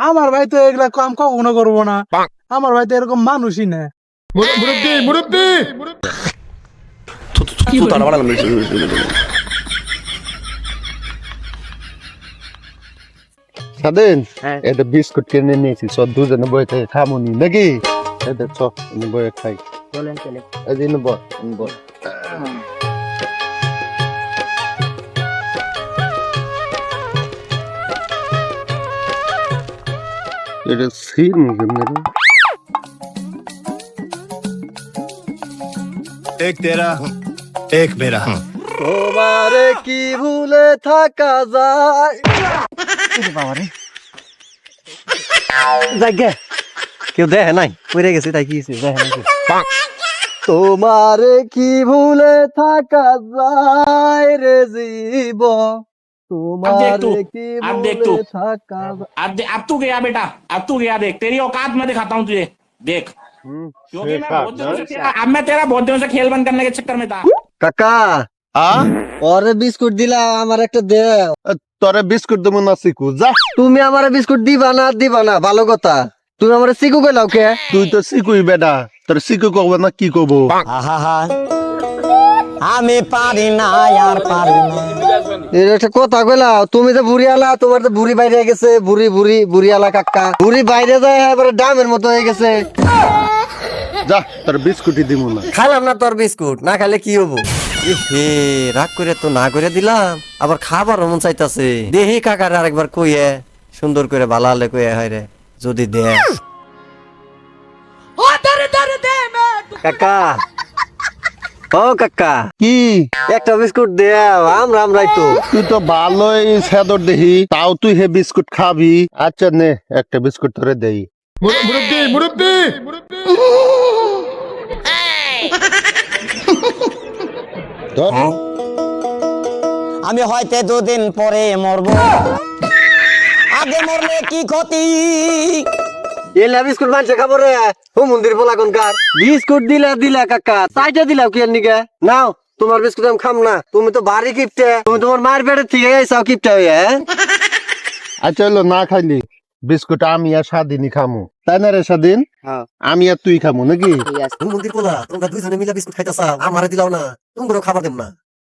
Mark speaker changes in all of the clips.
Speaker 1: আমার ভাই তো এগুলা কাম কখনো করবো না। আমার ভাই তো এরকম মানুষই না।
Speaker 2: মুরব্বি মুরব্বি
Speaker 3: স্বাধীন এটা বিস্কুট কিনে নিয়েছি সব দুজনে বই থেকে খামুনি নাকি এটা চ বই খাই
Speaker 4: চলেন চলে
Speaker 3: এদিন বল বল এটা সিন কেমনে
Speaker 2: एक तेरा एक मेरा
Speaker 3: তোমারে কি ভুলে থাকা যায়
Speaker 4: বাবারে জায়গা কেউ দেখে নাই পড়ে গেছে তাই কি হয়েছে দেখে নাই
Speaker 3: তোমারে কি ভুলে থাকা যায় রে জীব তোমারে কি ভুলে থাকা
Speaker 5: अब तू गया बेटा, अब तू गया। देख तेरी औकात मैं दिखाता हूँ तुझे। देख क्योंकि मैं बहुत दिनों से अब मैं तेरा बहुत दिनों से खेल बंद करने के चक्कर में था।
Speaker 3: কাকা ওরে বিস্কুট দিলা আমার একটা দে তোরে বিস্কুট দেবো না শিখু যা তুমি আমারে বিস্কুট দিবা না ভালো কথা তুমি আমারে শিখু কইলাও কে তুই তো শিখুই বেটা তোর শিখু কব না কি কব
Speaker 4: আমি পারি না আর পারি না
Speaker 3: এর একটা কথা কইলাও তুমি তো বুড়ি আলা তোমার তো বুড়ি বাইরে গেছে বুড়ি আলা কাকা বুড়ি বাইরে যায় এবারে ডামের মতো হয়ে গেছে যা তোর বিস্কুটই দিমু না
Speaker 4: খাইলাম না তোর বিস্কুট না খাইলে কি হবো হে রাগ করে তো না করে দিলাম আবার খাবার মন চাইতাছে দেহি কাকার আরেকবার কইয়ে সুন্দর করে ভালালে কইয়ে হয় রে যদি দে কাকা ও কাকা
Speaker 3: কি
Speaker 4: একটা বিস্কুট দেও আমরাই তো
Speaker 3: তুই তো ভালোই সেদর দেহি তাও তুই হে বিস্কুট খাবি আচ্ছা নে একটা বিস্কুট ধরে দেই
Speaker 2: মুরব্বি মুরব্বি
Speaker 3: ধর
Speaker 4: আমি হয়তো দুদিন পরে মরবো আগে মরলে কি ক্ষতি এলা বিস্কুট মানছে খাবো রে ও মন্দির বলা কোনকার বিস্কুট দিলা কাকা চাইটা দিলাও কি নিকে নাও তোমার বিস্কুট আমি খাম না তুমি তো বাড়ি কিপটে তুমি তোমার মায়ের পেটের থেকে আইসাও কিপটে হয়ে
Speaker 3: আচ্ছা হলো না খাইলি বিস্কুট আমি আর স্বাধীনই খামু তাই না রে স্বাধীন আমি আর তুই খামু নাকি
Speaker 4: মন্দির বলা তোমরা দুইজনে মিলে বিস্কুট খাইতেছ আমারে দিলাও না তোমরা খাবার দেব না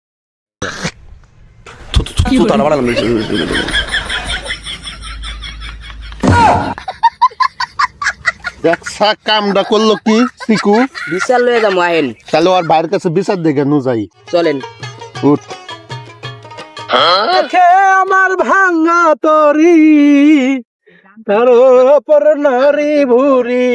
Speaker 3: দেখছা কামটা করলো কি শিকু
Speaker 6: বিশাল লয়ে যাবো আহেন
Speaker 3: তাহলে ওর বাইরের কাছে বিচার দেখে নু যাই
Speaker 6: চলেন
Speaker 3: উঠ
Speaker 1: আমার ভাঙা তরি তার ওপর নারী ভুরি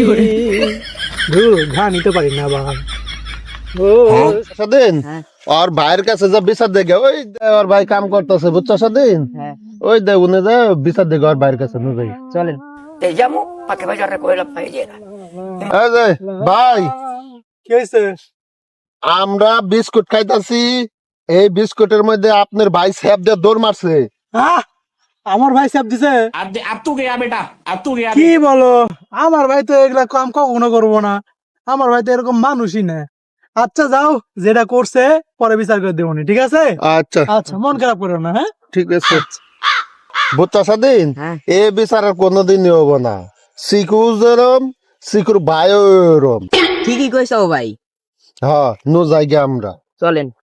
Speaker 1: ঘা নিতে পারি না বাবা
Speaker 3: স্বাধীন ওর ভাইয়ের কাছে যা বিচার দেখে ওই ওর ভাই কাম করতেছে বুঝছো স্বাধীন ওই দে উনি যা বিচার দেখে ওর ভাইয়ের কাছে নু যাই
Speaker 6: চলেন এই যাবো পাকে বাজারে কইলাম পাই যে
Speaker 3: এই যে ভাই
Speaker 1: কি হয়েছে
Speaker 3: আমরা বিস্কুট খাইতাছি এই বিস্কুটের মধ্যে আপনার ভাই স্যাপ দিয়ে দৌড় মারছে
Speaker 1: আমার ভাই চাপ দিছে
Speaker 5: अब तू गया बेटा, अब तू गया।
Speaker 1: কি বলো আমার ভাই তো এগুলা কাম কখনো করবো না। আমার ভাই তো এরকম মানুষই না। আচ্ছা যাও যেটা করছে পরে বিচার করে দেবো ঠিক আছে
Speaker 3: আচ্ছা
Speaker 1: আচ্ছা মন খারাপ করো না হ্যাঁ
Speaker 3: ঠিক আছে বুঝছো স্বাধীন এ বিচার আর কোনোদিনই হবো না শিখু যেরম শিখুর ভাইও এরম
Speaker 6: ঠিকই কইছো ভাই
Speaker 3: হ্যাঁ নো জায়গা আমরা
Speaker 6: চলেন